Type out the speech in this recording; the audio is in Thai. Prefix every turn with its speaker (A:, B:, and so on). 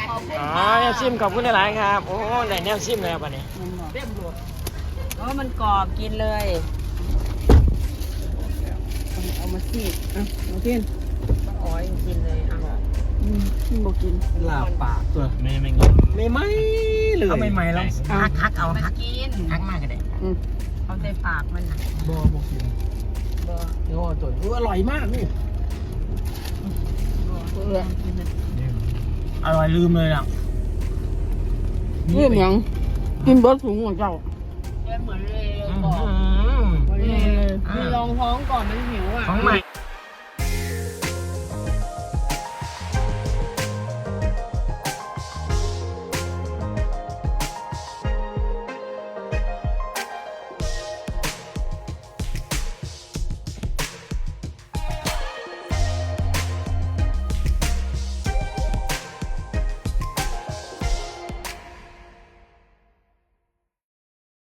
A: อ๋อแนวซิมขอบคุณหลายๆครับโอ้ได้แนวซิมแล้วป่ะเนี่ย
B: เต็มรถมันกรอบกินเลยเอามาซีดมากินอ๋อยกินเลยอร่อยบอกกิน
A: ลาบปากตัว
C: ไม่งง
A: ไม่ไหมเลยเอาใหม่ๆแล้วฮักเอาฮัก
B: กิน
A: ฮักมากกันเลย
B: เอาใส่ปากมันนะ
A: บอกกินเดี๋ยวตัวอร่อยมากนี่อร่อยลืมเลยอ่ะ
B: เรื่องยังกินเบิร์ดถุงของเจ้าเหมือนเลยบอกมีรองท้องก่อนมันหิวอ่ะ
A: ของใหม่